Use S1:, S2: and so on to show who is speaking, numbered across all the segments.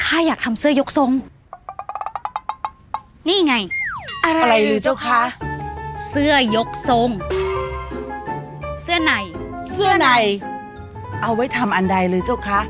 S1: ข้าอยากทำเสื้อยกทรงนี่ไง
S2: อะไรหรือเจ้าคะ
S1: เสื้อยกทรงเสื้อใน
S2: เสื้อในเอาไว้ทำอันใดหรือเจ้าคะ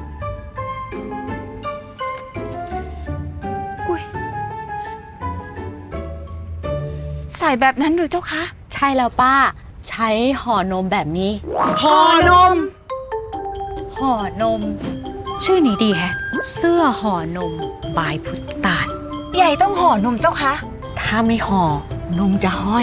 S2: ใส่แบบนั้นหรือเจ้าคะ
S3: ใช่แล้วป้าใช้ห่อนมแบบนี้
S2: ห่อนม
S1: ห่อนมชื่อนี้ดีแฮะเสื้อห่อนมบายพุทธาล
S4: ใหญ่ต้องห่อนมเจ้าคะ
S3: ถ้าไม่ห่อนมจะห้อย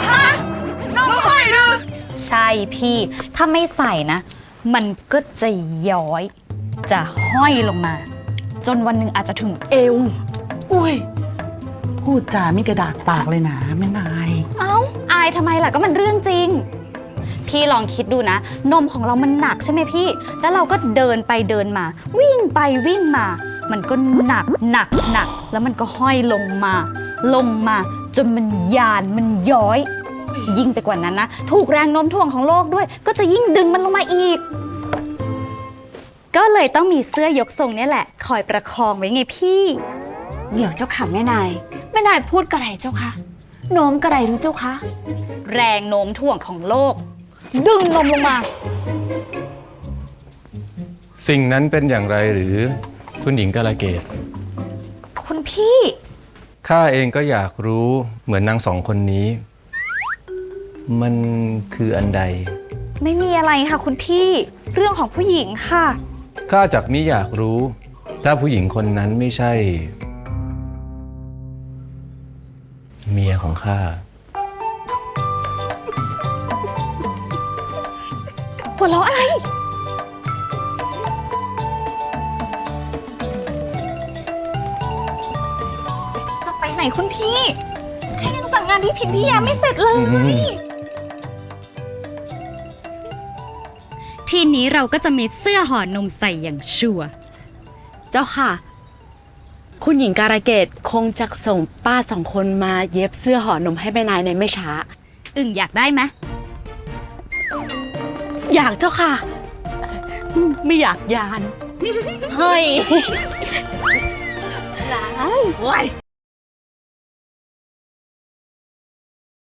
S1: ใช่พี่ถ้าไม่ใส่นะ มันก็จะย้อยจะห้อยลงมา จนวันหนึ่งอาจจะถึงเอว
S2: อุ้ยพูดจาไม่กระดากปากเลยนะแม่นาย
S1: เอ้าอายทำไมล่ะก็มันเรื่องจริงพี่ลองคิดดูนะนมของเรามันหนักใช่ไหมพี่แล้วเราก็เดินไปเดินมา วิ่งไปวิ่งมา มันก็หนักแล้วมันก็ห้อยลงมาจนมันยานมันย้อยยิ่งไปกว่านั้นนะถูกแรงโน้มถ่วงของโลกด้วยก็จะยิ่งดึงมันลงมาอีกก็เลยต้องมีเสื้อยกทรงนี่แหละคอยประคองไว้ไงพี่
S4: เดี๋ยวเจ้าค่ะแม่นายพูดกระไรเจ้าคะโน้มกระไรรู้เจ้าคะ
S1: แรงโน้มถ่วงของโลกดึงนมลงมา
S5: สิ่งนั้นเป็นอย่างไรหรือคุณหญิงกาลเกต
S1: คุณพี่
S5: ข้าเองก็อยากรู้เหมือนนางสองคนนี้มันคืออันใด
S1: ไม่มีอะไรค่ะคุณพี่เรื่องของผู้หญิงค่ะ
S5: ข้าจักมิอยากรู้ถ้าผู้หญิงคนนั้นไม่ใช่เมียของข้า
S1: หัวเราะอะไรจะไปไหนคุณพี่แค่ยังสั่งงานที่พิมพิยาไม่เสร็จเลยทีนี้เราก็จะมีเสื้อห่อนมใส่อย่างชัวร์
S3: เจ้าค่ะคุณหญิงการะเกดคงจะส่งป้าสองคนมาเย็บเสื้อห่อนมให้แม่นายในไม่ช้า
S1: อยากได้ไหม
S3: อยากเจ้าค่ะไม่อยากยานเฮ้ย